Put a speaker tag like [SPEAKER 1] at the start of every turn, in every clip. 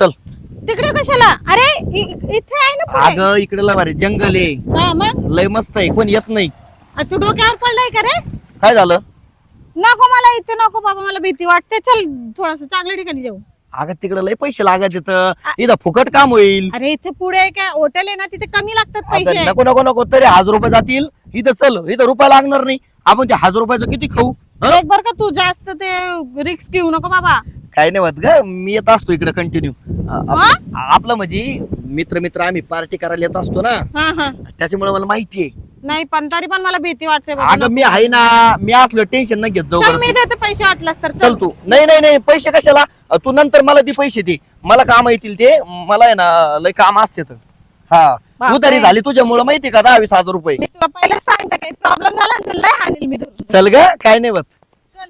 [SPEAKER 1] चल.
[SPEAKER 2] तिकडे कशाला? अरे इथे आहे ना पुढे.
[SPEAKER 1] अगं इकडे लय भारी जंगल आहे,
[SPEAKER 2] हा मग
[SPEAKER 1] लय मस्त आहे, कोण येत नाही.
[SPEAKER 2] तू डोक्यावर पडलाय का रे?
[SPEAKER 1] काय झालं?
[SPEAKER 2] नको मला इथे नको बाबा, मला भीती वाटते. चल थोडस चांगल्या ठिकाणी जाऊ.
[SPEAKER 1] अगं तिकडे लय पैसे लागायचे तर इथं फुकट काम होईल.
[SPEAKER 2] अरे इथे पुढे काय हॉटेल आहे ना, तिथे कमी लागतात
[SPEAKER 1] अगं,
[SPEAKER 2] पैसे.
[SPEAKER 1] नको नको नको, तरी 1000 रुपये जातील. इथं चल, इथं रुपया लागणार नाही. आपण ते 1000 रुपयाचं किती खाऊ?
[SPEAKER 2] एक बर का, तू जास्त ते रिक्स घेऊ नको बाबा.
[SPEAKER 1] काय नाही होत ग, मी येत असतो इकडे कंटिन्यू. आपलं म्हणजे मित्र मित्र आम्ही पार्टी करायला येत असतो ना,
[SPEAKER 2] हा हा.
[SPEAKER 1] त्याच्यामुळे मला माहिती आहे.
[SPEAKER 2] नाही पण तरी पण मला भीती वाटते बाबा.
[SPEAKER 1] अगं मी आहे ना, मी असलो टेन्शन न घेत जाऊ.
[SPEAKER 2] चल
[SPEAKER 1] बरं
[SPEAKER 2] मी देते पैसे वाटलास तर.
[SPEAKER 1] चल तू. नाही नाही नाही, पैसे कशाला? तू नंतर मला दे पैसे दे, मला काम येतील ते. मला आहे ना लय काम असते तर. हा
[SPEAKER 2] बापरे.
[SPEAKER 1] उधारी झाली तुझ्यामुळे माहिती का, 10-20 हजार रुपये.
[SPEAKER 2] मी तुला पहिलेच सांगते, काही प्रॉब्लेम झाला ना, लय हाणेल मी तुला.
[SPEAKER 1] चल ग, काय नाही होत.
[SPEAKER 2] चल.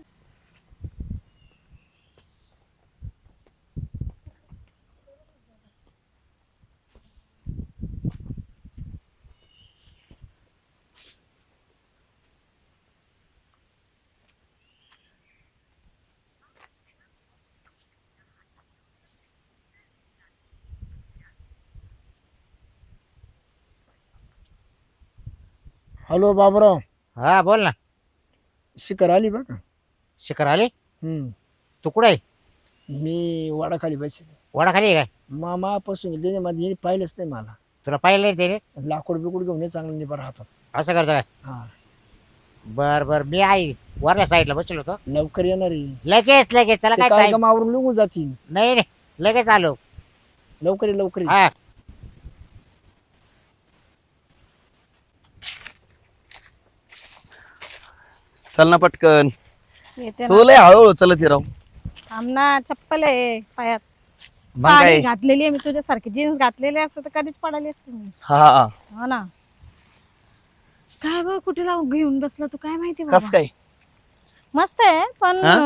[SPEAKER 3] हॅलो बाबराव.
[SPEAKER 4] हा बोल ना.
[SPEAKER 3] शिखर आली बघा.
[SPEAKER 4] शिखर आले?
[SPEAKER 3] हम्म.
[SPEAKER 4] तू कुठे आहे?
[SPEAKER 3] मी वाडाखाली बसले.
[SPEAKER 4] वडाखाली आहे काय?
[SPEAKER 3] मामापासून त्याच्यामध्ये पाहिलंच नाही मला.
[SPEAKER 4] तुला पाहिलं नाही त्याने?
[SPEAKER 3] लाकूड बिकूड घेऊन ये चांगलं निभा राहतात.
[SPEAKER 4] असं करतो काय?
[SPEAKER 3] हा
[SPEAKER 4] बर बर, मी आहे वरल्या साईडला बसलो होतो.
[SPEAKER 3] लवकर येणार आहे.
[SPEAKER 4] लगेच लगेच, त्याला
[SPEAKER 3] ते
[SPEAKER 4] काय
[SPEAKER 3] काय
[SPEAKER 4] time?
[SPEAKER 3] गमावरून निघून जातील.
[SPEAKER 4] नाही नाही, लगेच आलो.
[SPEAKER 3] लवकर ये लवकर ये.
[SPEAKER 4] हा
[SPEAKER 1] चल ना पटकन.
[SPEAKER 2] येते
[SPEAKER 1] तू
[SPEAKER 2] ना.
[SPEAKER 1] लय हळूहळू चलत राहू.
[SPEAKER 2] थांब ना, चप्पल आहे पायात.
[SPEAKER 1] मग काय?
[SPEAKER 2] साडी घातलेली आहे मी तुझ्यासारखी. जीन्स घातलेली असते तर कधीच पडाली असते मी.
[SPEAKER 1] हा
[SPEAKER 2] हो ना. काय बघ कुठे लावून घेऊन बसला तू, काय माहिती
[SPEAKER 1] कस
[SPEAKER 2] बाबा.
[SPEAKER 1] काय?
[SPEAKER 2] मस्त आहे पण
[SPEAKER 1] हा?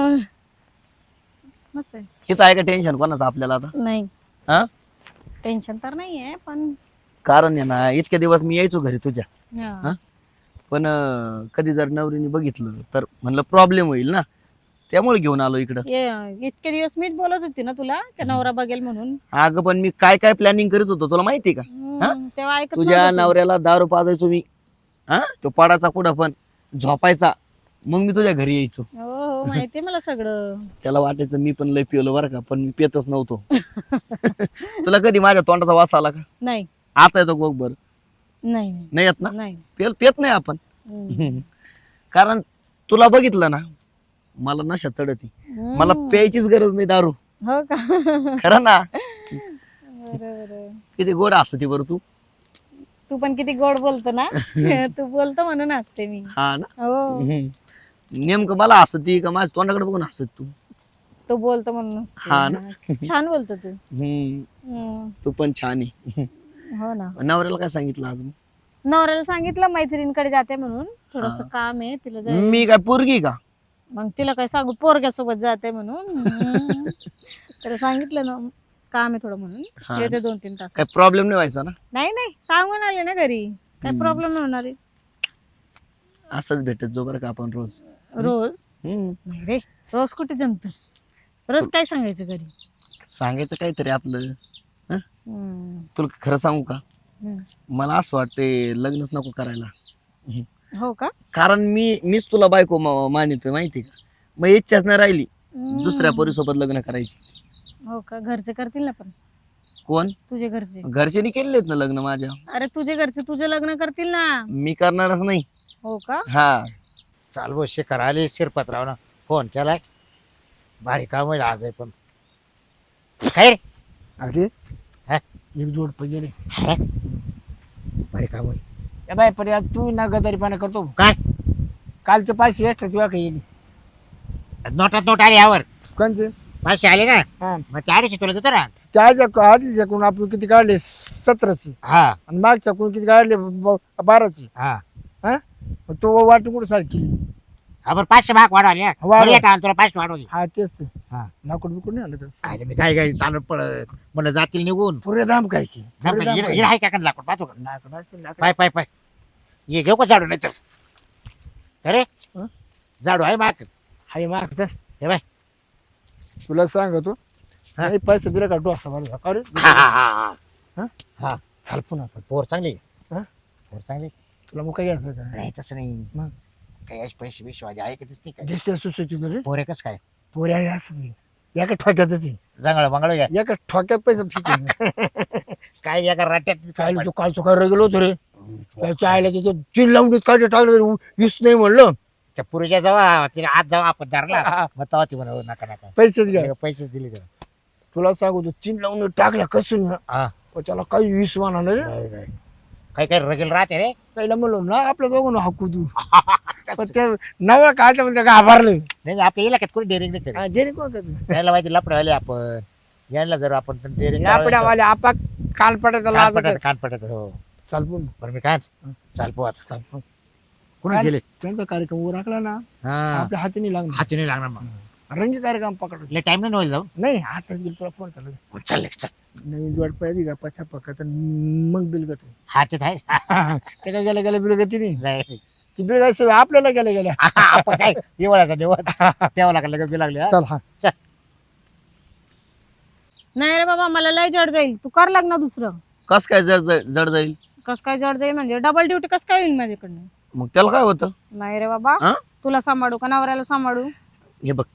[SPEAKER 2] मस्त आहे.
[SPEAKER 1] इथं आहे का टेन्शन कोणाचं आपल्याला आता?
[SPEAKER 2] नाही
[SPEAKER 1] हा
[SPEAKER 2] टेन्शन तर नाहीये पण
[SPEAKER 1] कारण आहे ना, इतके दिवस मी यायचो घरी तुझ्या.
[SPEAKER 2] हा.
[SPEAKER 1] हा? पण कधी जर नवरीने बघितलं तर म्हणलं प्रॉब्लेम होईल ना, त्यामुळे घेऊन आलो इकडं.
[SPEAKER 2] इतके दिवस मीच बोलत होती ना तुला की नवरा बघेल म्हणून.
[SPEAKER 1] अगं पण मी काय काय प्लॅनिंग करत होतो तुला माहिती का?
[SPEAKER 2] तेव्हा ऐकत
[SPEAKER 1] तुझ्या
[SPEAKER 2] नव्हतं तू.
[SPEAKER 1] नवऱ्याला दारू पाजायचो मी. हा, तो पडाचा कुठं पण झोपायचा, मग मी तुझ्या घरी यायचो.
[SPEAKER 2] हो हो माहितीये मला सगळं.
[SPEAKER 1] त्याला वाटायचं मी पण लय पिवलं बरं का, पण मी पितच नव्हतो. तुला कधी माझ्या तोंडाचा वास आला का?
[SPEAKER 2] नाही
[SPEAKER 1] आता येतो बघ बरं.
[SPEAKER 2] नाही
[SPEAKER 1] नाही येत ना?
[SPEAKER 2] नाही.
[SPEAKER 1] पेत नाही आपण.
[SPEAKER 2] हम्म.
[SPEAKER 1] कारण तुला बघितलं ना, मला नशा चढती. मला
[SPEAKER 2] हम्म.
[SPEAKER 1] प्यायचीच गरज नाही दारू.
[SPEAKER 2] हो का?
[SPEAKER 1] खरं ना?
[SPEAKER 2] बरोबर.
[SPEAKER 1] किती गोड असते बरं तू.
[SPEAKER 2] तू पण किती गोड बोलतो ना. तू बोलतो म्हणून हसते मी.
[SPEAKER 1] हा ना.
[SPEAKER 2] हो
[SPEAKER 1] नेमकं मला हसती का माझ्या तोंडाकडे बघून हसत तू?
[SPEAKER 2] तू बोलतो म्हणून हसते.
[SPEAKER 1] हा ना?
[SPEAKER 2] छान बोलतो तू.
[SPEAKER 1] हम्म. तू पण छान आहे.
[SPEAKER 2] हो ना.
[SPEAKER 1] नवऱ्याला काय सांगितलं आज मग?
[SPEAKER 2] नवऱ्याला सांगितलं मैत्रिणीकडे जाते म्हणून, थोडस
[SPEAKER 1] हा.
[SPEAKER 2] काम आहे तिला जाय.
[SPEAKER 1] मी काय पोरगी का?
[SPEAKER 2] मग तिला काय सांगू, पोरग्यासोबत जाते म्हणून. तर सांगितलं ना काम आहे थोडं
[SPEAKER 1] हा.
[SPEAKER 2] म्हणून येते 2-3 तास.
[SPEAKER 1] काय प्रॉब्लेम नाही व्हायचा ना?
[SPEAKER 2] नाही नाही सांगून आले ना घरी, काय प्रॉब्लेम नाही होणार आहे.
[SPEAKER 1] असंच भेटत जो बरं का आपण रोज.
[SPEAKER 2] रोज
[SPEAKER 1] हम्म.
[SPEAKER 2] नाही रे, रोज कुठे जमत. रोज काय सांगायचं घरी.
[SPEAKER 1] सांगायचं काहीतरी आपलं.
[SPEAKER 2] हम्म.
[SPEAKER 1] तुला खरं सांगू का,
[SPEAKER 2] हम्म.
[SPEAKER 1] मला असं वाटते लग्नच नको करायला.
[SPEAKER 2] हो का?
[SPEAKER 1] कारण मीच तुला बायको मानितोय माहिती का. मग इच्छाच नाही राहिली दुसऱ्या पोरीसोबत लग्न करायची.
[SPEAKER 2] हो का? घरचे करतील ना पण.
[SPEAKER 1] कोण?
[SPEAKER 2] तुझे घरचे.
[SPEAKER 1] घरच्यांनी केलेत ना लग्न माझ्या.
[SPEAKER 2] अरे तुझे घरचे तुझे लग्न करतील ना.
[SPEAKER 1] मी करणारच नाही.
[SPEAKER 2] हो का?
[SPEAKER 1] हा.
[SPEAKER 4] चाल भाऊ, शिखर आली. शिरपतरावनं फोन केलाय. भारी काम होईल आज आहे पण. काय रे?
[SPEAKER 3] अरे
[SPEAKER 4] हा?
[SPEAKER 3] एक जोड पैसे रे.
[SPEAKER 4] हा? भारी काम होईल.
[SPEAKER 3] ए बाय पर्या, तू ना गदारीपणा करतो.
[SPEAKER 4] काय
[SPEAKER 3] कालचे 500 एक्स्ट्रा तुला काही येईल.
[SPEAKER 4] नोटात नोट आली यावर.
[SPEAKER 3] कोणचे?
[SPEAKER 4] 500 आले ना,
[SPEAKER 3] हा,
[SPEAKER 4] मग ते 250 तुला देतो ना.
[SPEAKER 3] त्याच्या आधीच्या कोण आपण किती काढले? 1700.
[SPEAKER 4] हा
[SPEAKER 3] आणि मागच्या कोण किती काढले? 1200.
[SPEAKER 4] हा
[SPEAKER 3] हा, मग तो वाटून कुठं सारखी.
[SPEAKER 4] हा, बरं 500 भाग वाढवले.
[SPEAKER 3] वाढव.
[SPEAKER 4] बरं, येता आलं तुला 500 वाढवली.
[SPEAKER 3] हा तेच ते.
[SPEAKER 4] हा.
[SPEAKER 3] लाकूड बिकूड नाही आलं तर
[SPEAKER 4] अरे मी काय काय चालत पडत म्हणलं जातील निघून.
[SPEAKER 3] पुरे दाम खायची. पुरे दाम
[SPEAKER 4] हिरा आहे का लाकूड पाहतो का?
[SPEAKER 3] लाकूड असते, लाकूड.
[SPEAKER 4] पाय पाय पाय ये घेऊ का झाडू नाही तर? अरे हा.
[SPEAKER 3] नाही, पैसे दिले का डोसा मला का रे?
[SPEAKER 4] हा, हा, हा,
[SPEAKER 3] हा?
[SPEAKER 4] हा.
[SPEAKER 3] चाल पुन्हा आता.
[SPEAKER 4] पोर चांगली
[SPEAKER 3] हा?
[SPEAKER 4] पोर चांगली
[SPEAKER 3] तुला मग काय घ्यायचं का
[SPEAKER 4] नाही तसं नाही
[SPEAKER 3] मग?
[SPEAKER 4] काही अशी पैसे बिशे वाजे आहे का दिसते काय
[SPEAKER 3] दिसते सुचती रे
[SPEAKER 4] पोरे कस काय
[SPEAKER 3] पोरी आहे असंच आहे. एका ठोक्यातच आहे.
[SPEAKER 4] जंगळ मंगळ घ्या
[SPEAKER 3] एका ठोक्यात पैसे फिकून
[SPEAKER 4] काय या का राट्यात
[SPEAKER 3] काय तू काल तो काय गेलो होतो रे त्याच्या आईला त्याच्या 3 लावून काय टाकलं वीस नाही म्हणलं
[SPEAKER 4] त्या पुरीच्या जवळ तिला आज जावा आपण धरला
[SPEAKER 3] हा.
[SPEAKER 4] मग तेव्हा ती म्हणा नका नका
[SPEAKER 3] पैसेच घ्या
[SPEAKER 4] पैसेच दिले त्याला
[SPEAKER 3] तुला सांगू तू 3 लावून टाकल्या कसून
[SPEAKER 4] हा
[SPEAKER 3] त्याला काही 20 म्हणा रे
[SPEAKER 4] नाही, नाही. काही काही रगेल राहते रे
[SPEAKER 3] पहिला म्हणलो ना आपल्या दोघांना हाकू तू पण ते नवं काय तर म्हणजे घाबरलं
[SPEAKER 4] नाही नाही, आपल्या इलाक्यात कोणी डेअरिंग नाही करेल
[SPEAKER 3] डेअरिंग कोण करत
[SPEAKER 4] त्याला माहिती लपडवाले आपण यांना जर आपण डेअरिंग
[SPEAKER 3] लापड्यावाले आपा काल पडायचा लाज
[SPEAKER 4] कान पडत हो
[SPEAKER 3] चालपून
[SPEAKER 4] बरं मी काय चाल पो आता
[SPEAKER 3] चालपून
[SPEAKER 4] कुणी गेले
[SPEAKER 3] त्यांचा कार्यक्रम उरकला ना
[SPEAKER 4] हा
[SPEAKER 3] आपल्या हाती नाही लागणार
[SPEAKER 4] हाती नाही लागणार मग
[SPEAKER 3] रंगी कार्यक्रम पकडला
[SPEAKER 4] लय टाइम नाही होईल जाऊन
[SPEAKER 3] नाही आताच गेलो तुला फोन केला
[SPEAKER 4] चाल चल
[SPEAKER 3] नवीन जोड पाहिजे का पछा पकत मग बिलगत
[SPEAKER 4] हातात आहे
[SPEAKER 3] ते काय गेल्या गेल्या बिलगती नाही
[SPEAKER 4] नाही
[SPEAKER 3] ती बिलगायचं आपल्याला गेल्या गेल्या
[SPEAKER 4] आपण काय निवडायचा निवड ठेवा लागला लगेच बी लागले
[SPEAKER 3] चल हा
[SPEAKER 2] नाही रे बाबा मला लय जड जाईल तू कर लग्न दुसरं.
[SPEAKER 1] कस काय जड जाईल?
[SPEAKER 2] कस काय जड जाईल म्हणजे डबल ड्युटी कस काय होईल माझ्याकडनं.
[SPEAKER 1] मग त्याला काय होतं?
[SPEAKER 2] नाही रे बाबा
[SPEAKER 1] हा?
[SPEAKER 2] तुला सांभाळू का नवऱ्याला सांभाळू.
[SPEAKER 1] हे बघ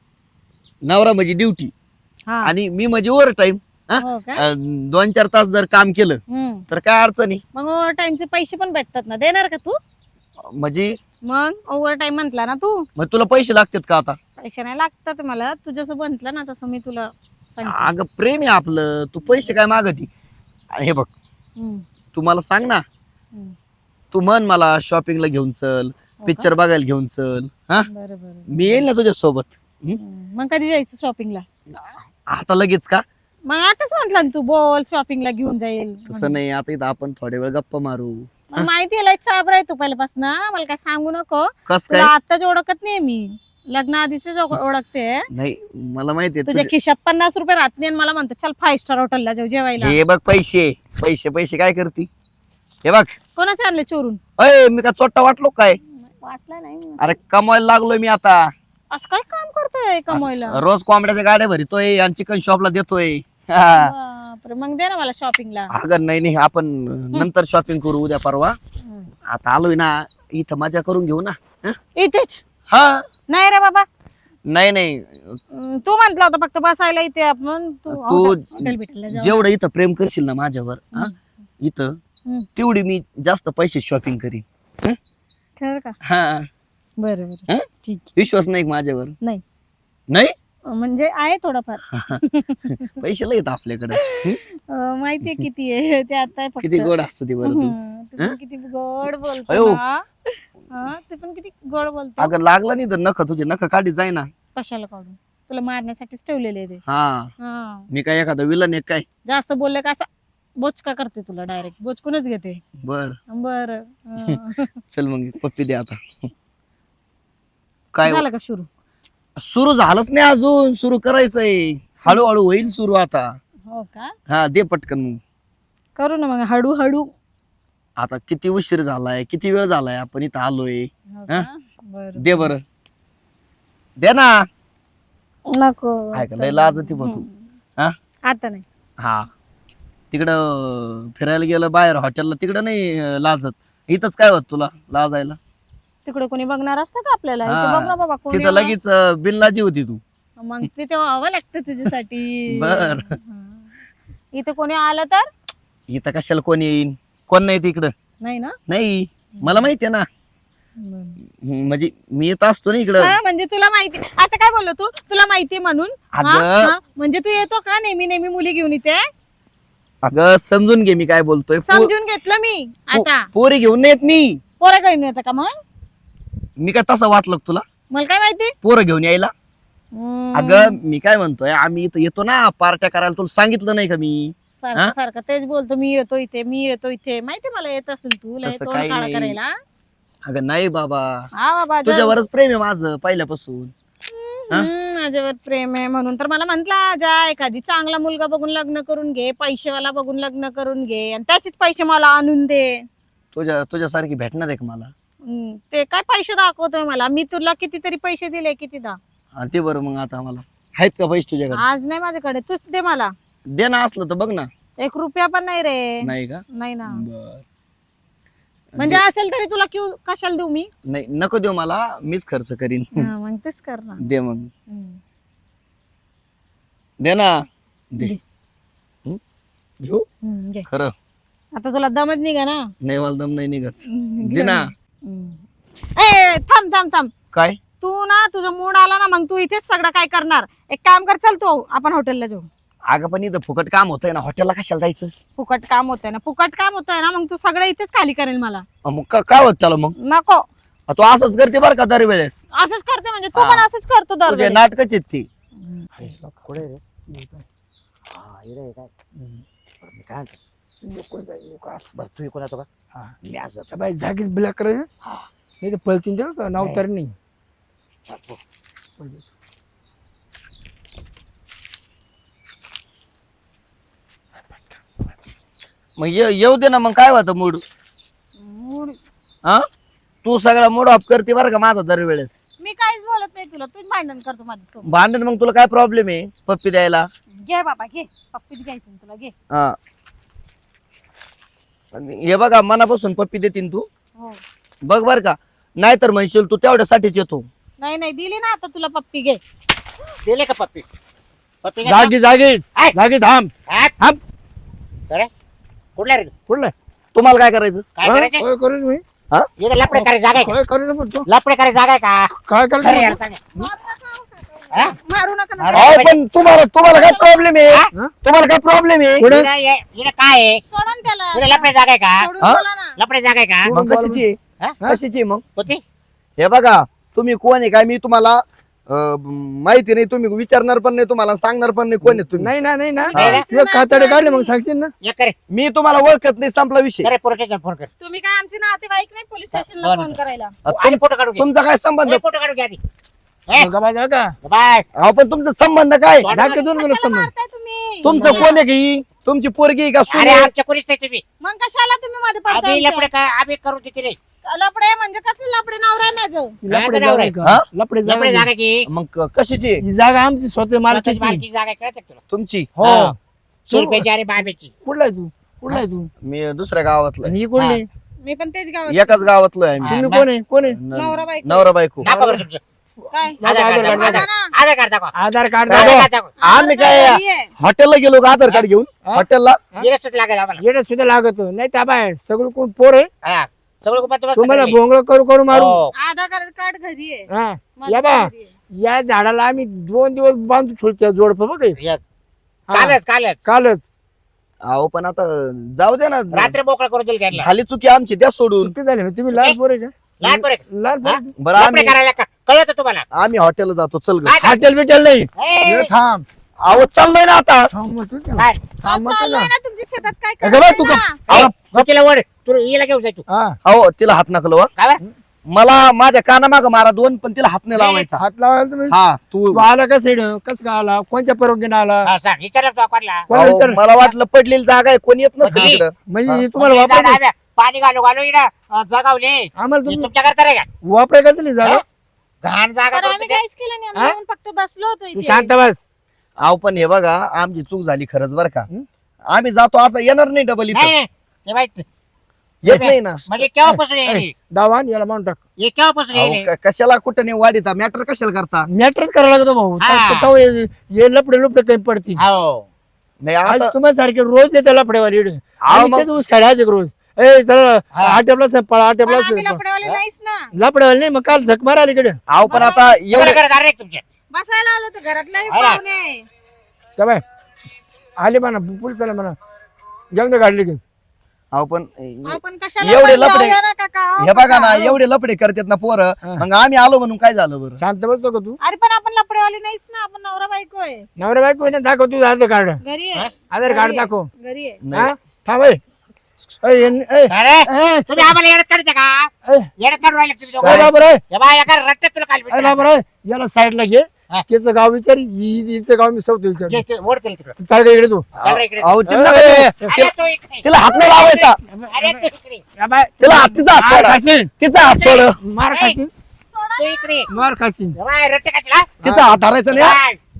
[SPEAKER 1] नवरा म्हणजे ड्युटी
[SPEAKER 2] हा
[SPEAKER 1] आणि मी म्हणजे ओव्हर टाइम
[SPEAKER 2] हो का
[SPEAKER 1] 2-4 तास जर काम केलं तर काय अडचण आहे?
[SPEAKER 2] मग ओव्हर टाइमचे पैसे पण भेटतात ना देणार का तू.
[SPEAKER 1] म्हणजे
[SPEAKER 2] मग ओव्हर टाइम म्हंटला ना तू
[SPEAKER 1] मग तुला पैसे लागतात का आता?
[SPEAKER 2] पैसे नाही लागतात मला तू जसं म्हंटल ना तसं मी तुला सांगते.
[SPEAKER 1] अगं प्रेम आहे आपलं तू पैसे काय मागती? हे बघ
[SPEAKER 2] हम्म,
[SPEAKER 1] तू मला सांग ना
[SPEAKER 2] हम्म.
[SPEAKER 1] तू म्हण मला शॉपिंगला घेऊन चल
[SPEAKER 2] हो का?
[SPEAKER 1] पिक्चर बघायला घेऊन चल हा
[SPEAKER 2] बरं बरं
[SPEAKER 1] मी येईल ना तुझ्या सोबत.
[SPEAKER 2] मग कधी जायचं शॉपिंगला.
[SPEAKER 1] आता लगेच का?
[SPEAKER 2] मग आताच म्हंटल ना तू बोल शॉपिंगला घेऊन जाईल
[SPEAKER 1] तसं नाही आता इथं आपण थोड्या वेळ गप्पा मारू.
[SPEAKER 2] मग माहिती आहे चाबर आहे तू पहिल्यापासून मला काय सांगू नको.
[SPEAKER 1] कस
[SPEAKER 2] तुला
[SPEAKER 1] काय?
[SPEAKER 2] आताच ओळखत नाही मी लग्न आधीच ओळखते.
[SPEAKER 1] नाही मला माहितीये
[SPEAKER 2] तुझ्या खिशात 50 रुपये राहत नाही आणि मला म्हणतो चल 5 स्टार हॉटेलला जाऊ जेवायला.
[SPEAKER 1] हे बघ पैसे पैसे पैसे काय करती? हे बघ
[SPEAKER 2] कोणाचे आणले चोरून.
[SPEAKER 1] अय मी काय चोट्टा वाटलो काय?
[SPEAKER 2] वाटलं नाही
[SPEAKER 1] अरे कमवायला लागलोय मी आता.
[SPEAKER 2] असं काय काम करतोय कमवायला.
[SPEAKER 1] रोज कोंबड्याच्या गाड्या भरतोय आणि चिकन शॉपला देतोय. हा.
[SPEAKER 2] बापरे, मग दे ना मला शॉपिंगला.
[SPEAKER 1] अगं नाही आपण नंतर शॉपिंग करू उद्या परवा. आता आलोय ना इथं मजा करून घेऊ ना.
[SPEAKER 2] इथेच.
[SPEAKER 1] हा
[SPEAKER 2] नाही रे बाबा
[SPEAKER 1] नाही
[SPEAKER 2] तू म्हंटला होता फक्त बसायला इथे आपण
[SPEAKER 1] तू
[SPEAKER 2] हॉटेल भेटायला जाऊ.
[SPEAKER 1] जेवढं इथं प्रेम करशील ना माझ्यावर हा, इथं
[SPEAKER 2] हम्म.
[SPEAKER 1] तेवढी मी जास्त पैसे शॉपिंग करीन.
[SPEAKER 2] खरं का.
[SPEAKER 1] हा
[SPEAKER 2] बरं
[SPEAKER 1] हं?
[SPEAKER 2] बरं ठीक
[SPEAKER 1] विश्वास नाही का माझ्यावर?
[SPEAKER 2] नाही.
[SPEAKER 1] नाही
[SPEAKER 2] म्हणजे आहे थोडंफार.
[SPEAKER 1] पैसे लय आहेत आपल्याकडे.
[SPEAKER 2] माहितीये किती आहे ते आता फक्त.
[SPEAKER 1] किती गोड असतं ते बरं तू.
[SPEAKER 2] तू पण किती गोड बोलतो
[SPEAKER 1] अयो.
[SPEAKER 2] ना. हा, ते पण किती गोड बोलतो.
[SPEAKER 1] अगं लागला नाही तर नख तुझे नख काढी जाय ना.
[SPEAKER 2] कशाला काढून तुला मारण्यासाठीच ठेवलेले आहे ते.
[SPEAKER 1] हा
[SPEAKER 2] हा
[SPEAKER 1] मी काय एखादा विलन आहे काय?
[SPEAKER 2] जास्त बोलले का असं बोचका करते तुला डायरेक्ट बोचकूनच घेते.
[SPEAKER 1] बर
[SPEAKER 2] बर
[SPEAKER 1] चल मग पप्पी दे आता. काय
[SPEAKER 2] झालं का सुरू.
[SPEAKER 1] सुरू झालंच नाही अजून सुरू करायचंय हळूहळू होईल सुरू आता.
[SPEAKER 2] हो का
[SPEAKER 1] हा दे पटकन मग.
[SPEAKER 2] करू ना मग हळूहळू.
[SPEAKER 1] आता किती उशीर झालाय किती वेळ झालाय आपण इथं आलोय.
[SPEAKER 2] हो का? बरं.
[SPEAKER 1] दे बर दे ना.
[SPEAKER 2] नको
[SPEAKER 1] ऐका लय लाजती बघ तू. हा
[SPEAKER 2] आता नाही.
[SPEAKER 1] हा तिकडं फिरायला गेलं बाहेर हॉटेलला तिकडं नाही लाजत. इथंच काय होत तुला लाजायला?
[SPEAKER 2] तिकडे कोणी बघणार असतं का आपल्याला.
[SPEAKER 1] हा.
[SPEAKER 2] इथे बघ ना बाबा कोणी.
[SPEAKER 1] तिथं लगेच बिनलाजी होती तू.
[SPEAKER 2] मग तिथे व्हावं लागतं तुझ्यासाठी.
[SPEAKER 1] बर.
[SPEAKER 2] हा. इथे कोणी आलं तर.
[SPEAKER 1] इथं कशाला कोण येईन कोण नाही तिकडं.
[SPEAKER 2] नाही ना.
[SPEAKER 1] नाही मला माहितीये ना.
[SPEAKER 2] बरं.
[SPEAKER 1] म्हणजे मी येत असतो ना इकडं.
[SPEAKER 2] हा, म्हणजे तुला माहिती आता काय बोललो तू तुला माहिती म्हणून. हा,
[SPEAKER 1] अगं
[SPEAKER 2] हा. म्हणजे तू येतो का नेहमी नेहमी मुली घेऊन इथे.
[SPEAKER 1] अगं समजून घे मी काय बोलतोय.
[SPEAKER 2] समजून घेतलं मी आता.
[SPEAKER 1] पोरी घेऊन नाही येत मी.
[SPEAKER 2] पोरं घेऊन येतं का मग.
[SPEAKER 1] मी काय तसं वाटलं का तुला
[SPEAKER 2] मला काय माहिती.
[SPEAKER 1] पोरं घेऊन यायला?
[SPEAKER 2] हम्म.
[SPEAKER 1] अगं मी काय म्हणतोय आम्ही इथं येतो ना पार्ट्या करायला तुला सांगितलं नाही का मी?
[SPEAKER 2] सारखं सारखं तेच बोलतो मी येतो इथे माहिती मला येत असेल तू लय
[SPEAKER 1] तसं
[SPEAKER 2] तोंड
[SPEAKER 1] काही
[SPEAKER 2] काळा
[SPEAKER 1] नाही.
[SPEAKER 2] करायला.
[SPEAKER 1] अगं नाही बाबा
[SPEAKER 2] हा बाबा
[SPEAKER 1] तुझ्यावरच प्रेम आहे माझं पहिल्यापासून.
[SPEAKER 2] माझ्यावर प्रेम आहे म्हणून तर मला म्हंटला जा एखादी चांगला मुलगा बघून लग्न करून घे पैसेवाला बघून लग्न करून घे आणि त्याचेच पैसे मला आणून दे.
[SPEAKER 1] तुझ्यासारखी भेटणार आहे का मला?
[SPEAKER 2] ते काय पैसे दाखवतोय मला. मी तुला कितीतरी पैसे दिले कितीदा.
[SPEAKER 1] ते बरं मग आता मला आहेत का पैसे तुझ्याकडे?
[SPEAKER 2] आज नाही माझ्याकडे, तूच दे मला.
[SPEAKER 1] दे ना, असलं तर बघ ना.
[SPEAKER 2] 1 रुपया पण नाही रे.
[SPEAKER 1] नाही का?
[SPEAKER 2] नाही ना.
[SPEAKER 1] बर.
[SPEAKER 2] म्हणजे असेल तरी तुला कशाला देऊ मी?
[SPEAKER 1] नाही, नको देऊ मला, मीच खर्च करीन.
[SPEAKER 2] हा, मग तेच कर ना.
[SPEAKER 1] दे मग.
[SPEAKER 2] हम्म.
[SPEAKER 1] दे ना. दे.
[SPEAKER 2] दे.
[SPEAKER 1] घेऊ
[SPEAKER 2] घे.
[SPEAKER 1] खरं?
[SPEAKER 2] आता तुला दमच निघा ना.
[SPEAKER 1] नाही, मला दम नाही निघत.
[SPEAKER 2] घे
[SPEAKER 1] दे ना.
[SPEAKER 2] ए थांब थांब थांब.
[SPEAKER 1] काय?
[SPEAKER 2] तू ना, तुझा मूड आला ना, मग तू इथेच सगळं काय करणार. एक काम कर, चल तू आपण हॉटेलला जाऊ.
[SPEAKER 1] अगं पण इथं फुकट काम होतंय ना, हॉटेलला कशाला जायचं?
[SPEAKER 2] फुकट काम होतंय ना, फुकट काम होतंय ना, मग तू सगळं इथेच खाली करेल मला.
[SPEAKER 1] मग काय होत त्याला मग?
[SPEAKER 2] नको.
[SPEAKER 1] तू असंच करते बरं का दरवेळेस?
[SPEAKER 2] असंच करते म्हणजे तू पण असंच करतो
[SPEAKER 1] तुझे
[SPEAKER 2] दरवेळी.
[SPEAKER 1] नाटकच आहेत ती.
[SPEAKER 4] कुठे रे? हा इकडे आहे काय? मी काय म्हणतो? बरं तू इकडून येतो का?
[SPEAKER 3] हा.
[SPEAKER 4] मी असं
[SPEAKER 3] त्या बाई जागीच ब्लॅक करायचं. नाही तर पळतीन तेव्हा का नाव तर नाही.
[SPEAKER 1] मग येऊ दे ना, मग काय होतं मूड?
[SPEAKER 2] मूड.
[SPEAKER 1] हा, तू सगळा मूड ऑफ करते बरं का माझा दरवेळेस.
[SPEAKER 2] मी काहीच बोलत नाही तुला, तू भांडण करतो माझ्यासोबत.
[SPEAKER 1] भांडण? मग तुला काय प्रॉब्लेम आहे पप्पी द्यायला?
[SPEAKER 2] घे बाबा घे, पप्पीच घ्यायची ना तुला, घे.
[SPEAKER 1] हा, हे बघा मनापासून पप्पी देतीन तू,
[SPEAKER 2] हो.
[SPEAKER 1] बघ बर का, नाहीतर म्हणशील तू तेवढ्यासाठीच येतो.
[SPEAKER 2] नाही नाही, दिली ना आता तुला पप्पी, घे.
[SPEAKER 4] दिले का पप्पी? पप्पी घे.
[SPEAKER 3] जागी जागी
[SPEAKER 4] ऐक.
[SPEAKER 3] जागी थांब.
[SPEAKER 4] हा?
[SPEAKER 3] थांब.
[SPEAKER 4] अरे कुठला रे?
[SPEAKER 3] कुठलं?
[SPEAKER 1] तुम्हाला काय करायचं?
[SPEAKER 4] काय करायचं?
[SPEAKER 3] काय करायचं मी?
[SPEAKER 4] इकडे लपडे करायची जागा आहे का?
[SPEAKER 3] काय करायचं म्हणतो?
[SPEAKER 4] लपडे करायची जागा आहे का?
[SPEAKER 3] काय
[SPEAKER 4] खरं
[SPEAKER 3] करायचं
[SPEAKER 4] यार,
[SPEAKER 3] म्हणतो?
[SPEAKER 4] सांग.
[SPEAKER 2] मारू नका, मारू नका ना.
[SPEAKER 4] अरे.
[SPEAKER 1] अहो, पण तुम्हाला काय प्रॉब्लेम आहे?
[SPEAKER 3] हा?
[SPEAKER 1] तुम्हाला काय प्रॉब्लेम आहे?
[SPEAKER 3] पुढे
[SPEAKER 4] इकडे काय आहे?
[SPEAKER 2] सोडून त्याला.
[SPEAKER 4] इकडे लपडे जागा आहे का?
[SPEAKER 2] सोडून
[SPEAKER 1] हा?
[SPEAKER 2] बोला ना.
[SPEAKER 4] लपडे जागा आहे का?
[SPEAKER 1] मग कशाची आहे?
[SPEAKER 4] हा?
[SPEAKER 1] कशाची आहे मग?
[SPEAKER 4] होती?
[SPEAKER 1] हे बघा, तुम्ही कोण आहे काय मी तुम्हाला माहिती नाही, तुम्ही विचारणार पण नाही, तुम्हाला सांगणार पण नाही कोण आहे तुम्ही.
[SPEAKER 3] नाही ना नाही ना
[SPEAKER 4] नाही ना.
[SPEAKER 3] तुझे कातडे काढले मग सांगशील ना.
[SPEAKER 4] ये करे
[SPEAKER 1] मी तुम्हाला ओळखत नाही, संपला विषय.
[SPEAKER 4] करे पोलीस स्टेशन फोन कर.
[SPEAKER 2] तुम्ही काय आमचे नातेवाईक नाही पोलीस स्टेशनला
[SPEAKER 4] बरं.
[SPEAKER 2] फोन करायला.
[SPEAKER 4] आणि फोटो काढू घे.
[SPEAKER 1] तुमचा काय संबंध?
[SPEAKER 4] फोटो काढू घे आधी. ए,
[SPEAKER 3] मग बाबा जागा
[SPEAKER 4] बाय.
[SPEAKER 1] अहो, पण तुमचा संबंध काय?
[SPEAKER 3] जागे दोन मला
[SPEAKER 2] कशाला
[SPEAKER 3] समज.
[SPEAKER 2] मारताय तुम्ही?
[SPEAKER 1] तुमचं कोण आहे की तुमची पोरगी आहे का सून
[SPEAKER 4] अरे
[SPEAKER 1] आहे?
[SPEAKER 4] आमच्या कोणीच नाही तुम्ही.
[SPEAKER 2] मग कशाला तुम्ही मध्ये पडताय
[SPEAKER 4] आम्ही लपडे
[SPEAKER 2] आमच्या?
[SPEAKER 4] काय आम्ही करू देते रे.
[SPEAKER 2] लपडे म्हणजे कसले लपडे, नवरा माझं.
[SPEAKER 3] लपडे
[SPEAKER 4] जागा
[SPEAKER 3] जागा
[SPEAKER 4] आहे.
[SPEAKER 3] का?
[SPEAKER 1] हा?
[SPEAKER 3] लपडे
[SPEAKER 4] लपडे
[SPEAKER 3] जागा
[SPEAKER 4] जागा की
[SPEAKER 1] मग कशाची आहे?
[SPEAKER 3] ही जागा आमची स्वतः
[SPEAKER 4] स्वतःची
[SPEAKER 3] मालकीची.
[SPEAKER 4] मालकी जागा आहे, कळतं का तुला?
[SPEAKER 1] तुमची?
[SPEAKER 3] हो
[SPEAKER 4] हा. सुरपेची आणि बाबेची.
[SPEAKER 3] कुठला आहे तू? कुठला आहे तू?
[SPEAKER 1] मी दुसऱ्या गावातलं
[SPEAKER 3] आणि ही कोणली?
[SPEAKER 2] मी पण तेच गावात.
[SPEAKER 1] एकाच गावातलो आहे मी.
[SPEAKER 4] हा.
[SPEAKER 3] तुम्ही कोण आहे? कोण आहे?
[SPEAKER 2] नवरा बायको.
[SPEAKER 1] नवरा बायको.
[SPEAKER 4] दाखवा बरं तुमचं.
[SPEAKER 2] काय?
[SPEAKER 4] आधार कार्ड
[SPEAKER 3] आधार
[SPEAKER 4] दाखवा.
[SPEAKER 3] कार्ड.
[SPEAKER 2] दाखवा ना.
[SPEAKER 4] आधार कार्ड दाखवा.
[SPEAKER 3] आधार कार्ड
[SPEAKER 4] आधार
[SPEAKER 3] दाखव.
[SPEAKER 4] कार्ड दाखवा.
[SPEAKER 1] आम्ही काय
[SPEAKER 2] घरी आहे.
[SPEAKER 1] हॉटेलला गेलो का आधार कार्ड घेऊन?
[SPEAKER 3] हा?
[SPEAKER 1] हॉटेलला
[SPEAKER 4] जिरं सुद्धा लागेल आम्हाला.
[SPEAKER 3] येडे सुद्धा लागत नाही त्या बाय सगळं कोण पोर आहे
[SPEAKER 4] हा. सगळं कुपन
[SPEAKER 3] तुम्हाला भोंगळ करू करू मारू.
[SPEAKER 4] हो.
[SPEAKER 2] आधार कार्ड घरी आहे.
[SPEAKER 3] हा
[SPEAKER 2] माझं
[SPEAKER 3] या बा
[SPEAKER 2] घरी आहे.
[SPEAKER 3] या झाडाला आम्ही 2 दिवस बांधू छोडच्या जोडप बघ हे.
[SPEAKER 4] या.
[SPEAKER 3] हा,
[SPEAKER 4] कालच
[SPEAKER 3] कालच
[SPEAKER 1] अहो पण आता जाऊ दे ना,
[SPEAKER 4] रात्री मोकळं करून दिली त्यांना.
[SPEAKER 1] झाली चुकी आमची, द्या सोडून.
[SPEAKER 3] चुकी झाली तुम्ही लहान पोर आहे का?
[SPEAKER 4] लहान पोरं.
[SPEAKER 3] लहान पोर
[SPEAKER 4] हा?
[SPEAKER 3] आहे.
[SPEAKER 1] बरं
[SPEAKER 4] लफडे
[SPEAKER 1] आम्ही
[SPEAKER 4] करायला का कळत तुम्हाला?
[SPEAKER 1] आम्ही हॉटेलला जातो, चल ग.
[SPEAKER 4] काय काय?
[SPEAKER 3] हॉटेल बिटेल नाही
[SPEAKER 4] ए,
[SPEAKER 3] ये थांब
[SPEAKER 1] अहो चाललोय ना आता.
[SPEAKER 3] थांब मग तू.
[SPEAKER 4] काय?
[SPEAKER 3] थांब मग
[SPEAKER 2] चाललोय
[SPEAKER 3] तुला.
[SPEAKER 2] ना तुमच्या शेतात, काय
[SPEAKER 1] अगं बाई, तू
[SPEAKER 2] करायचं
[SPEAKER 1] का-
[SPEAKER 2] ना?
[SPEAKER 1] अहो,
[SPEAKER 4] होतीला वर तू हिला घेऊन जाय तू.
[SPEAKER 3] हा
[SPEAKER 1] अहो तिला हात नका लावू,
[SPEAKER 4] काय बरं?
[SPEAKER 1] मला माझ्या कानामाग मारा 2, पण तिला हात नाही लावायचा.
[SPEAKER 3] हात लावायला तुम्ही
[SPEAKER 1] हा तू.
[SPEAKER 3] तू आला का सेड कस का आला कोणत्या परवानगीने आला
[SPEAKER 4] हा, सांग विचारलं तू कोणाला?
[SPEAKER 3] कोणाला
[SPEAKER 1] अहो,
[SPEAKER 3] विचार
[SPEAKER 1] मला वाटलं पडलेली जागा आहे, कोणी येत नसेल
[SPEAKER 4] कधी?
[SPEAKER 1] इकडं.
[SPEAKER 3] म्हणजे
[SPEAKER 1] हा.
[SPEAKER 3] हे तुम्हाला
[SPEAKER 4] म्हणजे
[SPEAKER 3] वापरायचं
[SPEAKER 4] दादा, पाणी घालू घालू इकडं जगावले.
[SPEAKER 3] आम्हाला
[SPEAKER 4] हे
[SPEAKER 3] तुम्ही
[SPEAKER 4] तुमच्या करता रे का?
[SPEAKER 3] वापरायचं का नाही जागा
[SPEAKER 4] हा? घाण जागा
[SPEAKER 2] पण
[SPEAKER 4] करून
[SPEAKER 2] आम्ही
[SPEAKER 4] तिथे.
[SPEAKER 2] काहीच केलं नाही, आम्ही येऊन फक्त बसलो होतो
[SPEAKER 3] तू
[SPEAKER 2] इथे.
[SPEAKER 3] शांत बस
[SPEAKER 1] अहो पण हे बघा, आमची चूक झाली खरंच बरं का.
[SPEAKER 3] हं?
[SPEAKER 1] आम्ही जातो, आता येणार नाही डबल
[SPEAKER 4] नाही
[SPEAKER 1] इथं.
[SPEAKER 4] नाही, ते माहित
[SPEAKER 1] येत नाही ना.
[SPEAKER 4] म्हणजे केव्हापासून येईल?
[SPEAKER 3] दावान याला मारून टाक
[SPEAKER 4] हे केव्हापासून
[SPEAKER 1] अहो,
[SPEAKER 4] येईल?
[SPEAKER 1] कशाला कुठं नाही वाढीता, मॅटर कशाला करता?
[SPEAKER 3] मॅटरच करायला लागतो भाऊ
[SPEAKER 4] हा.
[SPEAKER 3] तेव्हा हे लपडे लपडे काही पडतील
[SPEAKER 4] हो.
[SPEAKER 3] आज
[SPEAKER 1] नाही आता
[SPEAKER 3] तुम्हाला सारखे रोज येते लपडेवाली इकडे.
[SPEAKER 1] अहो,
[SPEAKER 3] आम्ही
[SPEAKER 1] मग-
[SPEAKER 3] तेच ऊस खायचे रोज ए चला
[SPEAKER 4] हा.
[SPEAKER 3] आटेपला पळा
[SPEAKER 2] पण आम्ही
[SPEAKER 3] आटेपला
[SPEAKER 2] लफडेवाले नाहीच ना.
[SPEAKER 3] लपडेवाली नाही मग काल झक मारा इकडे
[SPEAKER 1] अहो पण आता
[SPEAKER 4] एवढं
[SPEAKER 1] एवढे
[SPEAKER 4] करत आहे रे तुमच्या.
[SPEAKER 2] बसायला आलो होतो घरातले
[SPEAKER 4] हा ना.
[SPEAKER 2] पाहुणे.
[SPEAKER 3] त्या बाय आले म्हणा पोलिसाला म्हणा जाऊन दे गाडली घेऊन
[SPEAKER 1] अहो पण
[SPEAKER 2] आपण कशाला
[SPEAKER 1] एवढे
[SPEAKER 2] पण
[SPEAKER 1] लफडे-
[SPEAKER 2] जाऊया ना काका.
[SPEAKER 1] हे बघा ना,
[SPEAKER 2] काका.
[SPEAKER 1] एवढे लपडे करतात ना पोरं,
[SPEAKER 3] हा.
[SPEAKER 1] मग आम्ही आलो म्हणून काय झालं बरं?
[SPEAKER 3] शांत बसतो का तू
[SPEAKER 2] अरे पण आपण लफडेवाले नाहीच ना, आपण नवरा बायको आहे.
[SPEAKER 3] नवरा बायको आहे ना, दाखव तू आधार कार्ड
[SPEAKER 2] घरी आहे.
[SPEAKER 3] आधार कार्ड दाखव
[SPEAKER 2] घरी आहे.
[SPEAKER 1] नाही.
[SPEAKER 3] हा थांब ए. ए, ए,
[SPEAKER 4] अरे
[SPEAKER 3] ए,
[SPEAKER 4] तुम्ही आम्हाला येडत काढते का?
[SPEAKER 3] ए,
[SPEAKER 4] येडत काढून राहिले तुम्ही
[SPEAKER 3] काय
[SPEAKER 4] दोघं.
[SPEAKER 3] बाबर आहे
[SPEAKER 4] हे बा, एका रट्ट्यात तुला काल
[SPEAKER 3] अरे
[SPEAKER 4] भेटलं.
[SPEAKER 3] बाबर आहे याला साईडला घे
[SPEAKER 4] हा.
[SPEAKER 3] त्याचं गाव विचार हिचं गाव मी सौतो विचार
[SPEAKER 4] घे, ते ओढ तिला तिकडं.
[SPEAKER 3] चाल का इकडे तू
[SPEAKER 4] चल रे इकडे.
[SPEAKER 1] अहो तिला
[SPEAKER 3] ए, ए,
[SPEAKER 4] अरे तू इकडे.
[SPEAKER 1] तिला हात नाही लावायचा,
[SPEAKER 4] अरे तू इकडे.
[SPEAKER 3] या बाय.
[SPEAKER 1] तिला तिचा हात
[SPEAKER 3] मार
[SPEAKER 1] सोडा.
[SPEAKER 3] खाशील
[SPEAKER 1] तिचा हात सोड,
[SPEAKER 3] मार खाशील
[SPEAKER 4] तू इकडे.
[SPEAKER 3] मार खाशील
[SPEAKER 4] हे बा, रट्टे कशाला?
[SPEAKER 1] तिचा हात धरायचा नाही.
[SPEAKER 4] काय?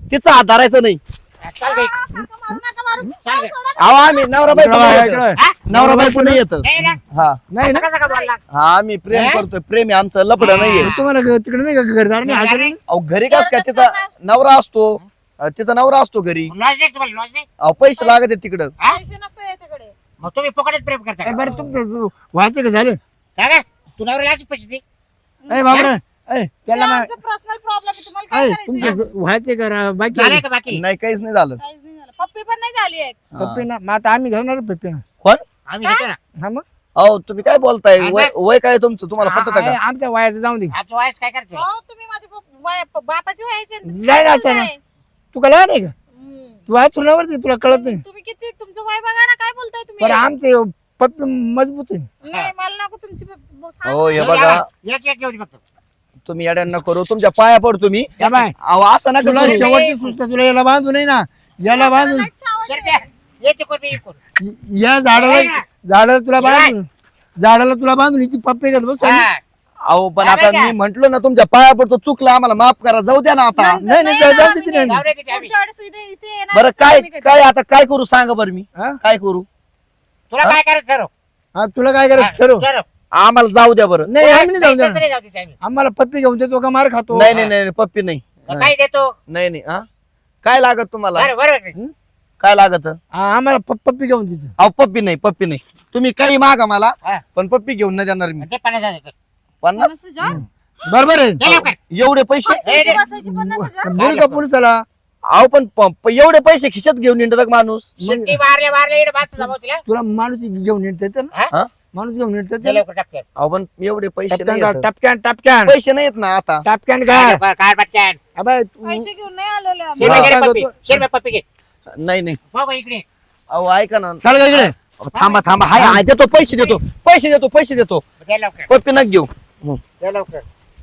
[SPEAKER 1] तिचा हात धरायचा नाही.
[SPEAKER 4] चल गई.
[SPEAKER 2] काका, मारू नका, मारू.
[SPEAKER 4] चाल गे.
[SPEAKER 2] सोडा.
[SPEAKER 1] अहो आम्ही नवरा बायको
[SPEAKER 3] इकडं
[SPEAKER 1] नाही
[SPEAKER 3] बघा,
[SPEAKER 1] येत.
[SPEAKER 3] इकडं.
[SPEAKER 4] हा?
[SPEAKER 1] नवरा बायको नाही येत.
[SPEAKER 4] नाही ना?
[SPEAKER 1] हा
[SPEAKER 3] नाही ना
[SPEAKER 4] कसं का बोलला?
[SPEAKER 1] हा आम्ही प्रेम
[SPEAKER 4] हे?
[SPEAKER 1] करतोय. प्रेम आहे आमचं, लपड नाहीये.
[SPEAKER 3] तुम्हाला तिकडे नाही का घरदार नाही हाजर नाही?
[SPEAKER 1] अहो घरी कस काय तिचा नवरा असतो. तिचा नवरा असतो घरी.
[SPEAKER 4] लॉज नाही तुम्हाला लॉज नाही?
[SPEAKER 1] अहो पैसे लागत आहेत तिकडं.
[SPEAKER 4] हा?
[SPEAKER 2] पैसे नसतं याच्याकडे.
[SPEAKER 4] मग तुम्ही फुकटच प्रेम करता
[SPEAKER 3] ए,
[SPEAKER 4] का?
[SPEAKER 3] बरं तुमचं व्हायचं का झालं
[SPEAKER 4] काय काय? तू नवऱ्याला अशी पैसे दे.
[SPEAKER 3] ए बाबरा ए त्याला मा-
[SPEAKER 2] पर्सनल प्रॉब्लेम आहे, तुम्हाला
[SPEAKER 3] ए,
[SPEAKER 2] काय करायचं?
[SPEAKER 3] तुमचं व्हायचं का बाकी
[SPEAKER 4] झालंय का बाकी?
[SPEAKER 1] नाही काहीच नाही झालं.
[SPEAKER 2] काहीच नाही झालं. पप्पी पण नाही झाली आहे.
[SPEAKER 3] पप्पी ना मग आता आम्ही घेणार पप्पी ना
[SPEAKER 1] कोण?
[SPEAKER 4] आम्ही घेतो ना.
[SPEAKER 3] हा मग
[SPEAKER 1] अहो तुम्ही काय बोलताय?
[SPEAKER 4] आणि
[SPEAKER 1] वय काय तुमचं? तुम्हाला पटत
[SPEAKER 3] आहे,
[SPEAKER 1] का?
[SPEAKER 3] आमच्या वयाचं जाऊ दे
[SPEAKER 4] आमचं वयस काय करतो?
[SPEAKER 2] हो, तुम्ही माझे बापाची व्हायचे
[SPEAKER 3] नाही ना, असं नाही. तू का लहान आहे का तू आहे तुलावरती तुला कळत नाही
[SPEAKER 2] तुम्ही किती तुमचं वय बघा ना, काय बोलताय
[SPEAKER 3] पण
[SPEAKER 2] तुम्ही?
[SPEAKER 3] आमचे पप्पी मजबूत आहे
[SPEAKER 2] नाही, मला नको तुमची सांगा.
[SPEAKER 1] हो हे
[SPEAKER 4] हे
[SPEAKER 1] बघा
[SPEAKER 4] एक एक घेऊ दे फक्त.
[SPEAKER 1] तुम्ही येड्यांना करू. तुमच्या पाया पडतो मी.
[SPEAKER 3] या बाय
[SPEAKER 1] अहो असं नका
[SPEAKER 3] तुला
[SPEAKER 1] करू.
[SPEAKER 3] शेवटची सुचना तुला याला बांधू नाही ना याला बांधून
[SPEAKER 2] लय छावणी
[SPEAKER 4] चल
[SPEAKER 2] आहे.
[SPEAKER 4] बे. याची कोण बी एक कोण.
[SPEAKER 3] या झाडाला तुला बांधून झाडाला तुला बांधून हिची पप्पी घेत बस
[SPEAKER 4] हा.
[SPEAKER 1] अहो पण
[SPEAKER 4] काय
[SPEAKER 1] आता
[SPEAKER 4] काय?
[SPEAKER 1] मी म्हंटलो ना तुमच्या पाया पडतो. चुकलं आम्हाला माफ करा. जाऊ द्या ना आता.
[SPEAKER 2] नंतर
[SPEAKER 3] नाही,
[SPEAKER 2] नाही
[SPEAKER 3] जाऊ
[SPEAKER 2] येणार
[SPEAKER 3] दे
[SPEAKER 2] आम्ही.
[SPEAKER 3] तिथे.
[SPEAKER 4] जाऊ दे तिथे आम्ही.
[SPEAKER 2] पुढच्या वेळेस इथे येणार
[SPEAKER 1] बरं काय
[SPEAKER 2] नाही कधी.
[SPEAKER 1] काय आता काय करू सांगा बरं मी.
[SPEAKER 3] हा?
[SPEAKER 1] काय करू?
[SPEAKER 4] तुला काय करायचं ठरव.
[SPEAKER 3] हा तुला काय करायचं ठरव
[SPEAKER 4] ठरव.
[SPEAKER 1] आम्हाला जाऊ द्या बरं.
[SPEAKER 3] नाही आम्ही नाही जाऊ
[SPEAKER 4] तसं
[SPEAKER 3] द्या
[SPEAKER 4] नाही जाऊ देत आम्ही.
[SPEAKER 3] आम्हाला पप्पी घेऊन देतो का मार खातो
[SPEAKER 1] नाही नाही नाही पप्पी नाही.
[SPEAKER 4] मग काय देतो?
[SPEAKER 1] नाही नाही हा काय लागत तुम्हाला?
[SPEAKER 4] बरं बरं.
[SPEAKER 1] काय लागत?
[SPEAKER 3] आम्हाला पप्पी घेऊन देतो
[SPEAKER 1] अहो पप्पी नाही पप्पी नाही. तुम्ही काही मागा मला
[SPEAKER 4] हा.
[SPEAKER 1] पण पप्पी घेऊन नाही देणार मी.
[SPEAKER 4] ते 50,000 देतो.
[SPEAKER 1] 50
[SPEAKER 2] तुझ्या?
[SPEAKER 3] बरोबर आहे
[SPEAKER 4] दे लवकर.
[SPEAKER 1] एवढे पैसे?
[SPEAKER 4] ए, दे.
[SPEAKER 2] बसायची 50,000?
[SPEAKER 3] बोल का पोलिसाला
[SPEAKER 1] अहो पण एवढे पैसे खिशात घेऊन येतात माणूस.
[SPEAKER 4] सुट्टी मारले इकडे बाच जमव तिला.
[SPEAKER 3] तुला माणूस घेऊन येत
[SPEAKER 4] हा?
[SPEAKER 1] हा?
[SPEAKER 3] माणूस घेऊन
[SPEAKER 4] दे
[SPEAKER 3] येत
[SPEAKER 4] लवकर टपक्यान.
[SPEAKER 1] अहो पण एवढे पैसे नाही येत.
[SPEAKER 3] टपक्यान टपक्यान
[SPEAKER 1] पैसे नाही येत ना आता.
[SPEAKER 3] टपक्यान
[SPEAKER 4] काय
[SPEAKER 3] काय
[SPEAKER 4] लवकर, काय पटकन.
[SPEAKER 3] अबे
[SPEAKER 2] पैसे घेऊन नाही आलेले आम्ही.
[SPEAKER 4] शेरबा घे रे
[SPEAKER 3] सांगतो
[SPEAKER 4] पप्पी.
[SPEAKER 3] तू.
[SPEAKER 4] शेरबा पप्पी घे.
[SPEAKER 1] नाही नाही.
[SPEAKER 4] बाबा इकडे.
[SPEAKER 1] अहो ऐका ना.
[SPEAKER 3] चाल का इकडे
[SPEAKER 1] अहो, थांबा थांबा. हाय हाय देतो पैसे देतो पैसे देतो.
[SPEAKER 4] दे लवकर.
[SPEAKER 1] पप्पी नका घेऊ.
[SPEAKER 4] दे लवकर.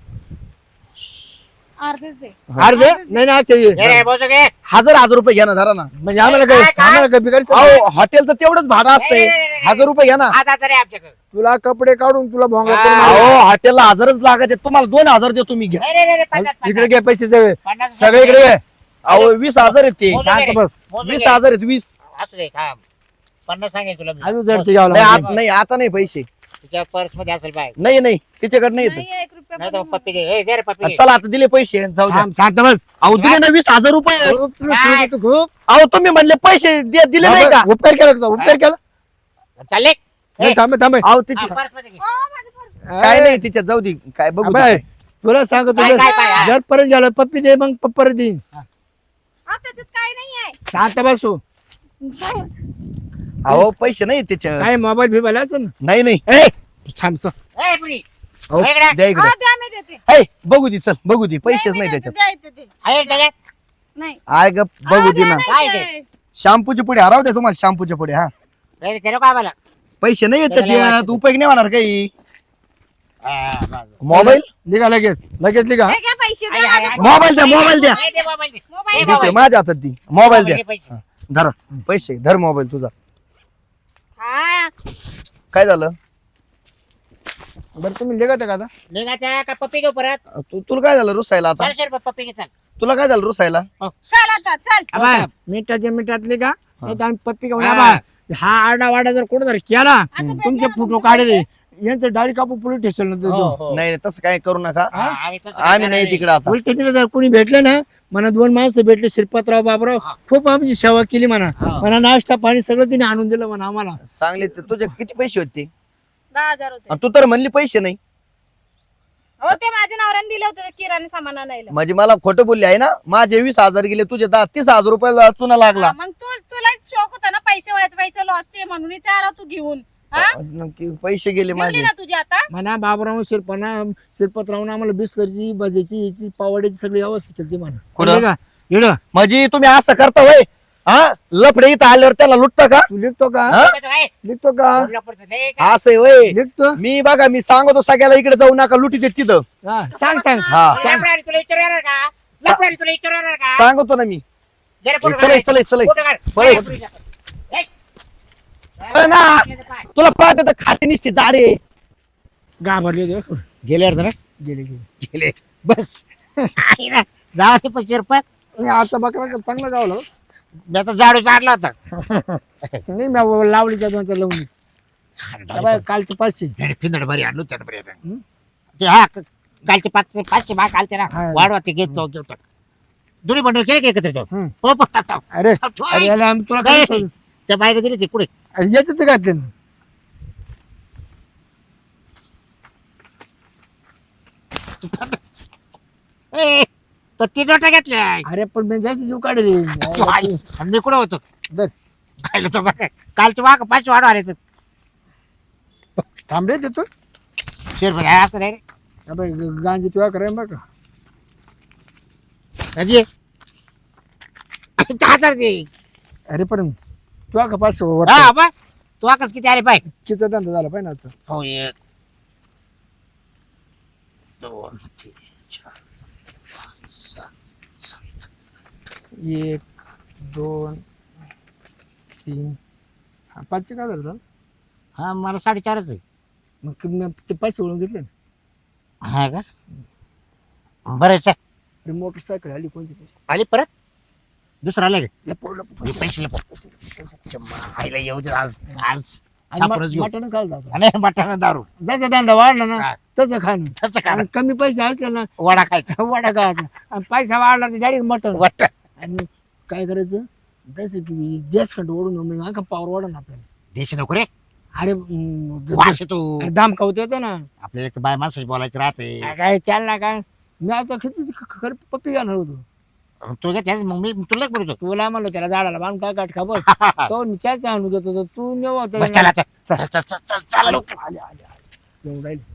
[SPEAKER 2] अर्धेच दे.
[SPEAKER 3] अर्धे नाही ना ते
[SPEAKER 4] घे रे बोजो घे.
[SPEAKER 1] 1000 रुपये घ्या ना धरा ना.
[SPEAKER 3] म्हणजे आम्हाला काय
[SPEAKER 4] काय?
[SPEAKER 3] आम्हाला काय बिघाडचं
[SPEAKER 1] अहो हॉटेलचं तेवढंच भाडं असतंय.
[SPEAKER 4] नाही, नाही, नाही.
[SPEAKER 1] 1000 रुपये घ्या ना.
[SPEAKER 4] हात हात रे आमच्याकडे.
[SPEAKER 3] तुला कपडे काढून तुला भोंगा
[SPEAKER 4] हा.
[SPEAKER 3] करून मारू.
[SPEAKER 1] अहो हॉटेलला 1000च लागत आहे. तुम्हाला 2000 देतो मी. घ्या.
[SPEAKER 4] नाही, नाही, नाही, 50,
[SPEAKER 3] इकडे घे पैसे सगळे
[SPEAKER 4] 50.
[SPEAKER 3] सगळे इकडे घे.
[SPEAKER 1] अहो 20000 आहेत ते.
[SPEAKER 4] मोजून
[SPEAKER 3] शांत
[SPEAKER 4] घे रे.
[SPEAKER 3] बस.
[SPEAKER 4] मोजून घे.
[SPEAKER 1] 20000 आहेत 20.
[SPEAKER 4] असू दे थांब. 50 सांगेल तुला मी.
[SPEAKER 3] अजून जडते घ्यावं
[SPEAKER 1] नाही
[SPEAKER 3] लागेल.
[SPEAKER 1] नाही आता नाही पैसे.
[SPEAKER 4] तुझ्या पर्स मध्ये असेल बाय.
[SPEAKER 1] नाही नाही तिच्याकडे नाही येत.
[SPEAKER 2] नाही, 1 रुपया
[SPEAKER 4] नाही
[SPEAKER 2] पण
[SPEAKER 4] तर
[SPEAKER 2] नाही.
[SPEAKER 4] पप्पी घे. हे घे रे पप्पी घे.
[SPEAKER 1] चला आता दिले पैसे जाऊ द्या.
[SPEAKER 3] थांब, शांत बस
[SPEAKER 1] अहो दिले ना 20000 रुपये.
[SPEAKER 3] तुला सांगतो खूप.
[SPEAKER 1] अहो तुम्ही म्हणले पैसे दिले नाही का?
[SPEAKER 3] उपकार केला तुला, उपकार केला
[SPEAKER 4] चालले.
[SPEAKER 3] नाही, थांब थांब
[SPEAKER 1] अहो तिची
[SPEAKER 4] पर्स मध्ये घे.
[SPEAKER 2] हो, माझी पर्स.
[SPEAKER 1] काय नाही तिच्यात जाऊ दे. काय बघू
[SPEAKER 3] अबे,
[SPEAKER 1] ते.
[SPEAKER 3] तुला सांगतो
[SPEAKER 4] काय, काय, काय?
[SPEAKER 3] जर परत झालं पप्पी दे मग पप्पर देईन
[SPEAKER 2] हा, त्याच्यात काय नाहीये.
[SPEAKER 3] शांत बस तू
[SPEAKER 2] सांग.
[SPEAKER 1] अहो पैसे नाही त्याच्यात.
[SPEAKER 3] काय मोबाईल बिबाईल असं ना
[SPEAKER 1] नाही नाही.
[SPEAKER 3] ए थांब सर.
[SPEAKER 4] ए पुरी.
[SPEAKER 1] अहो,
[SPEAKER 4] इकडे.
[SPEAKER 1] द्या इकडे.
[SPEAKER 2] हा, द्या, मी देते.
[SPEAKER 1] हे, बघू दे चल बघू दे. पैसेच
[SPEAKER 2] मी
[SPEAKER 1] नाही
[SPEAKER 2] देते,
[SPEAKER 1] त्याच्यात.
[SPEAKER 2] द्या इथे ते.
[SPEAKER 4] आहे त्याच्यात.
[SPEAKER 2] नाही.
[SPEAKER 1] आय ग बघू
[SPEAKER 2] हा,
[SPEAKER 1] दे
[SPEAKER 2] द्या
[SPEAKER 1] ना.
[SPEAKER 2] नाही
[SPEAKER 4] काय
[SPEAKER 2] ते.
[SPEAKER 1] शॅम्पूचे पुढे हराव द्या तुम्हाला. शॅम्पूच्या पुढे हा
[SPEAKER 4] नाही ते नको आम्हाला.
[SPEAKER 1] पैसे नाही येत
[SPEAKER 4] त्याला
[SPEAKER 1] त्याच्यात.
[SPEAKER 4] वाटतं.
[SPEAKER 1] उपयोग नाही होणार काही.
[SPEAKER 4] हा, बस.
[SPEAKER 1] मोबाईल
[SPEAKER 3] लिगा लगेच लगेच लिगा
[SPEAKER 2] हे घ्या पैसे द्या,
[SPEAKER 4] आहे,
[SPEAKER 2] माझा
[SPEAKER 4] आहे.
[SPEAKER 1] मोबाईल द्या मोबाईल द्या.
[SPEAKER 4] नाही, दे मोबाईल दे.
[SPEAKER 2] मोबाईल
[SPEAKER 4] हे
[SPEAKER 2] द्या.
[SPEAKER 1] देतोय माझ्या हातात दी. मोबाईल द्या.
[SPEAKER 4] घे पैसे.
[SPEAKER 1] धर पैसे धर मोबाईल तुझा.
[SPEAKER 2] हा,
[SPEAKER 1] काय झालं?
[SPEAKER 3] बरं तुम्ही लिगा का आता
[SPEAKER 4] निघायचं का पप्पी घेऊ परत.
[SPEAKER 1] तुला काय झालं रुसायला आता?
[SPEAKER 4] 400 रुपये पप्पी घे चल.
[SPEAKER 1] तुला काय झालं रुसायला?
[SPEAKER 2] चल आता, चल.
[SPEAKER 3] अबा, मिनिटाच्या मिनिटात लिगा नाही तर आम्ही पप्पी घेऊन
[SPEAKER 4] हा.
[SPEAKER 3] आबा, हा आरडा वाडा जर कोण जर केला
[SPEAKER 2] आता
[SPEAKER 3] तुमचे
[SPEAKER 2] भेटले
[SPEAKER 3] फोटो
[SPEAKER 2] ना
[SPEAKER 3] काढले यांचं डायरेक्ट आपण पोलीस स्टेशनला देतो
[SPEAKER 1] नाही नाही, तसं काय करू नका.
[SPEAKER 4] हा, आम्ही तसं
[SPEAKER 1] आम्ही
[SPEAKER 4] करणार
[SPEAKER 1] नाही तिकडे आता.
[SPEAKER 3] पोलीस स्टेशनला जर कोणी भेटलं ना मला 2 माणसं भेटले श्रीपातराव बाबराव
[SPEAKER 4] हा.
[SPEAKER 3] खूप आमची सेवा केली म्हणा
[SPEAKER 4] हा.
[SPEAKER 3] म्हणा नाश्ता पाणी सगळं तिने आणून दिलं म्हणा आम्हाला
[SPEAKER 1] चांगले तुझे किती पैसे होते?
[SPEAKER 2] 10,000 होते.
[SPEAKER 1] आणि तू तर म्हणली पैसे नाही.
[SPEAKER 2] हो, ते माझ्या नवऱ्याने दिले होते किराणा सामान आणायला.
[SPEAKER 1] म्हणजे मला खोटं बोलली आहे ना. माझे 20,000 गेले तुझे 30,000 रुपयाला चुना लागला.
[SPEAKER 2] हा, मग तुला शौक होता ना पैसे व्हायचे लॉसचे म्हणून इथे आला तू घेऊन. हा?
[SPEAKER 1] नक्की पैसे गेले
[SPEAKER 2] जेवली
[SPEAKER 1] माझे.
[SPEAKER 2] ना तुझी आता.
[SPEAKER 3] म्हणा बाबराव श्रीपातरावनं आम्हाला बिस्लरची भाजीची याची पावड्याची सगळी व्यवस्था केली म्हणा
[SPEAKER 1] कुठं?
[SPEAKER 3] कळलं का येडं
[SPEAKER 1] म्हणजे तुम्ही असं करता होय? हा लफडे इथं आल्यावर त्याला लुटता का?
[SPEAKER 3] तू लिखतो का
[SPEAKER 1] हा?
[SPEAKER 4] काय?
[SPEAKER 3] लिखतो का
[SPEAKER 4] बोलला पडतं. नाही का?
[SPEAKER 1] असं आहे होय.
[SPEAKER 3] लिखतो
[SPEAKER 1] मी बघा मी सांगतो सगळ्याला इकडे जाऊ नका लुटी देत तिथं.
[SPEAKER 3] हा सांग सांग
[SPEAKER 1] हा
[SPEAKER 4] लफड्याने तुला विचारू येणार का? लफड्याने तुला विचारू येणार का?
[SPEAKER 1] सांगतो ना मी.
[SPEAKER 4] जरा फोटो
[SPEAKER 1] चल
[SPEAKER 4] काढ.
[SPEAKER 1] चल चल
[SPEAKER 4] फोटो काढ.
[SPEAKER 1] पळे.
[SPEAKER 4] ए.
[SPEAKER 1] अरे ना. तुला पाहते तर खाते निसते जाडे.
[SPEAKER 3] घाबरले
[SPEAKER 4] गेले अर्ध ना
[SPEAKER 3] गेले गेले
[SPEAKER 4] गेले बस आहे ना. 10 ते 25 रुपये
[SPEAKER 3] नाही आता बकरा चांगला गावला
[SPEAKER 4] मी आता झाडू चाडला होता.
[SPEAKER 3] नाही मी लावली त्या दोनच्या लावून कालचे 500
[SPEAKER 4] पिंदड बरी आणलो त्यानं बरी आता. ते हा कालचे 500 भाग कालचे ना
[SPEAKER 3] हा.
[SPEAKER 4] वाढवा ते घेतो घेतो दोन्ही बंडल केले का एकत्र तो?
[SPEAKER 3] हम्म.
[SPEAKER 4] हो पत्ता
[SPEAKER 3] अरे अरे याला आम्ही तुला काय सांगू?
[SPEAKER 4] त्या बाहेर दिली ते कुठे
[SPEAKER 3] अरे याच्यात ते घातले ना
[SPEAKER 4] ए, तर 3 नोटा घेतल्या.
[SPEAKER 3] अरे पण मी जास्त जीव काढले
[SPEAKER 4] आणि मी कुठं होतो
[SPEAKER 3] दर
[SPEAKER 4] खायला तो बघा कालचे वाघ 5 वाढवा आले तर
[SPEAKER 3] थांबले देतो
[SPEAKER 4] शेर असं नाही रे
[SPEAKER 3] अबे गांजी तुला कराय बघ
[SPEAKER 4] अजी हातात दे.
[SPEAKER 3] अरे पण तुला का 500
[SPEAKER 4] हा बा तू आकाश किती आले पाय
[SPEAKER 3] किती धंदा झाला पाहिजे ना आता
[SPEAKER 4] हो 1 2 3 4
[SPEAKER 3] 1 2 3 हा 5 का झालं
[SPEAKER 4] हा मला 4.5 आहे.
[SPEAKER 3] मग मी ते पैसे ओळून घेतले ना
[SPEAKER 4] हा का बरं चल
[SPEAKER 3] अरे मोटरसायकल आली कोणती तरी
[SPEAKER 4] आली परत दुसरा आला का
[SPEAKER 3] लपव लपव
[SPEAKER 4] पैसे आईला येऊ दे आज आज छापूनच घेऊ.
[SPEAKER 3] मटण खायला जातो
[SPEAKER 4] आणि बटाणा दारू
[SPEAKER 3] जसं धंदा वाढला ना
[SPEAKER 4] हा.
[SPEAKER 3] तसं खाणं
[SPEAKER 4] तसं का
[SPEAKER 3] आणि कमी पैसे असले ना
[SPEAKER 4] वडा खायचा
[SPEAKER 3] वडा खायचा आणि पैसा वाढला तर डायरेक्ट मटण
[SPEAKER 4] वाट
[SPEAKER 3] आणि काय करायचं जसं की गॅस खंड ओढून मग अंका पावर वाढा ना आपल्याला
[SPEAKER 4] देश नको रे
[SPEAKER 3] अरे
[SPEAKER 4] वास येतो
[SPEAKER 3] दाम खावत येतं ना
[SPEAKER 4] आपल्या एक बाय माणसाची बोलायचं राहते
[SPEAKER 3] काय चाल ना काय मी आता किती खरं पप्पी घेणार होतो
[SPEAKER 4] तू काय मग मी तुला बोलतो
[SPEAKER 3] तुला म्हणलो त्याला झाडाला बांधून काय काट खबर तो मी चाच आणून घेतो तू नेऊ
[SPEAKER 4] बस चला चल चल चल चल चल लवकर.
[SPEAKER 3] आले आले आले येऊन राहिले